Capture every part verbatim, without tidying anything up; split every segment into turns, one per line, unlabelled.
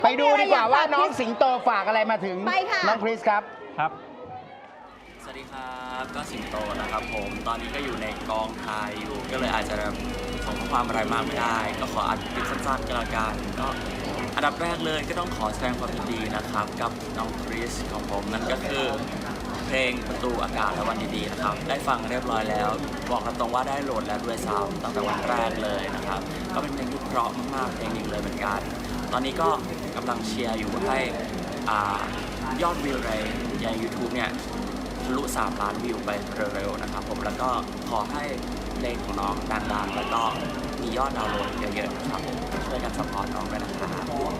ไปดูดีกว่าว่าน้องสิงโตฝากอะไรมาถึงน้องคริสครับ
ครับ
สวัสดีครับก็สิงโตนะครับผมตอนนี้ก็อยู่ในกองถ่ายอยู่ก็เลยอาจจะส่งข้อความอะไรมากไม่ได้ก็ขออัดคลิปสั้นๆก็แล้วกันก็อันดับแรกเลยก็ต้องขอแสดงความยินดีนะครับกับน้องคริสของผมนั่นก็คือเพลงประตูอากาศและวันดีๆนะครับได้ฟังเรียบร้อยแล้วบอกกันตรงว่าได้โหลดแล้วด้วยซ้ำตั้งแต่วันแรกเลยนะครับก็เป็นเพลงที่เพราะมากๆเพลงหนึ่งเลยเหมือนกันตอนนี้ก็กำลังเชียร์อยู่ให้ยอดวิวในใน ยูทูบ เนี่ยทะลุสามล้านวิวไปเร็วๆนะครับผมแล้วก็ขอให้เพลงของน้องดังๆแล้วก็มียอดดาวน์โหลดเยอะๆนะครับผมช่วยกันซัพพอร์ตน้องด้วยนะครับ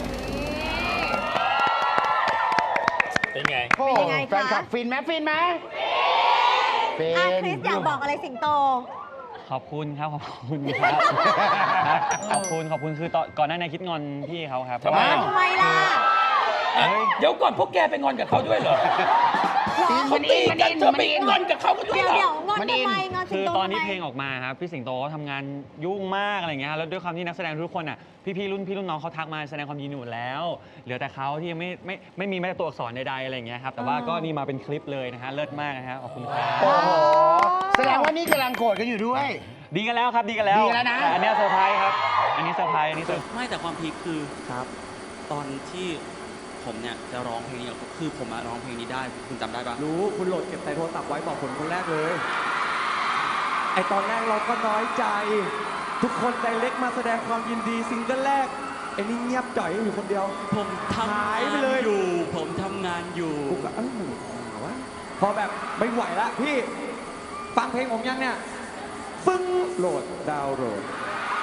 เป็นไง
เป็นไงแฟนคลับฟินไหมฟินไหม
ฟินคริสอยากบอกอะไรสิงโต
ขอบคุณครับขอบคุณครับขอบคุณขอบคุณคือตอนก่อนหน้านี้คิดงอนพี่เขาครับ
ทำไมทำไมล่ะ
เดี๋ยวก่อนพวกแกไปงอนกับเขาด้วยเหรอเขาตีกันเธอไปงอนกับเขากันด้วยเหรอ
เดี๋ยวงอนทำไมงอนสิงโต
คือตอนที่เพลงออกมาครับพี่สิงโตเขาทำงานยุ่งมากอะไรเงี้ยแล้วด้วยความที่นักแสดงทุกคนอ่ะพี่ๆรุ่นพี่รุ่นน้องเขาทักมาแสดงความยินดีหมดแล้วเหลือแต่เขาที่ยังไม่ไม่ไม่มีแม้แต่ตัวอักษรใดๆอะไรเงี้ยครับแต่ว่าก็นี่มาเป็นคลิปเลยนะฮะเลิศมากนะฮะขอบคุณครับ
โอ้โหแสดงว่านี่กำลังโกรธกันอยู่ด้วย
ดีกันแล้วครับดีกันแล้ว
ดีกันแล้วนะ
อันนี้เซอร์ไพรส์ครับอันนี้เซอร์ไพรส์อันนี้เซอร์
ไม่แต่ความพีคคือ
ครับ
ตอนที่ผมเนี่ยจะร้องเพลงนี้คือผมมาร้องเพลงนี้ได้คุณจำได้ปะ
รู้คุณโหลดเก็บใส่โทรศัพท์ไว้บอกผมคนแรกเลยไอตอนแรกเราก็น้อยใจทุกคนไดเรกมาแสดงความยินดีซิงเกิลแรกไอ้นี่เงียบจ่อยอยู่คนเดียว
ผมทำงานอยู่ผมทำงานอยู่
กูก็เอ้าวะพอแบบไม่ไหวละพี่ฟังเพลงผมยังเนี่ยฟึ้งโหลดดาวน์โหลด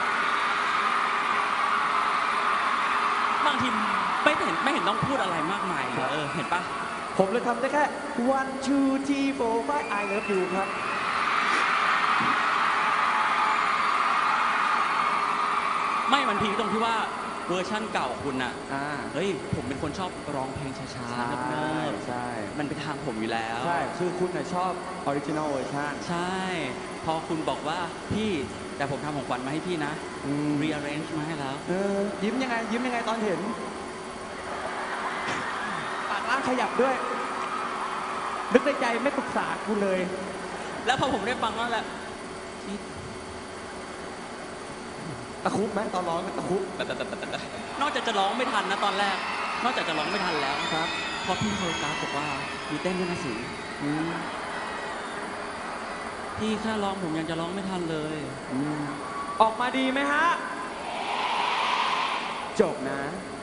บางทีไม่เห็นไม่เห็นต้องพูดอะไรมากมายเออเห็นปะ
ผมเลยทำได้แค่ one two three four five I love you ครับ
ไม่มันพีคตรงที่ว่าเวอร์ชั่นเก่าคุณน่ะ
อ่า
เฮ้ยผมเป็นคนชอบร้องเพลงช้าๆเนิบ
ๆใช่
มันเป็นทางผมอยู่แล้ว
ใช่คือคุณน่ะชอบออริจินอลเวอร์ชัน
ใช่พอคุณบอกว่าพี่แต่ผมทำของขวัญมาให้พี่นะ rearrange มาให้แล้ว
เออยิ้มยังไงยิ้มยังไงตอนเห็นปากล่างขยับด้วยนึกในใจไม่ปรึกษากูเลย
แล้วพอผมได้ฟังนั่นแหละ
ตะคุบไหมตอนร้องตะคุบ
นอกจากจะร้องไม่ทันนะตอนแรกนอกจากจะร้องไม่ทันแล้ว
ครับ
พอพี่โทรศัพท์บอกว่ามีเต้นด้วยนะสิพี่แค่ร้องผมยังจะร้องไม่ทันเลย
ออกมาดีไหมฮะจบนะ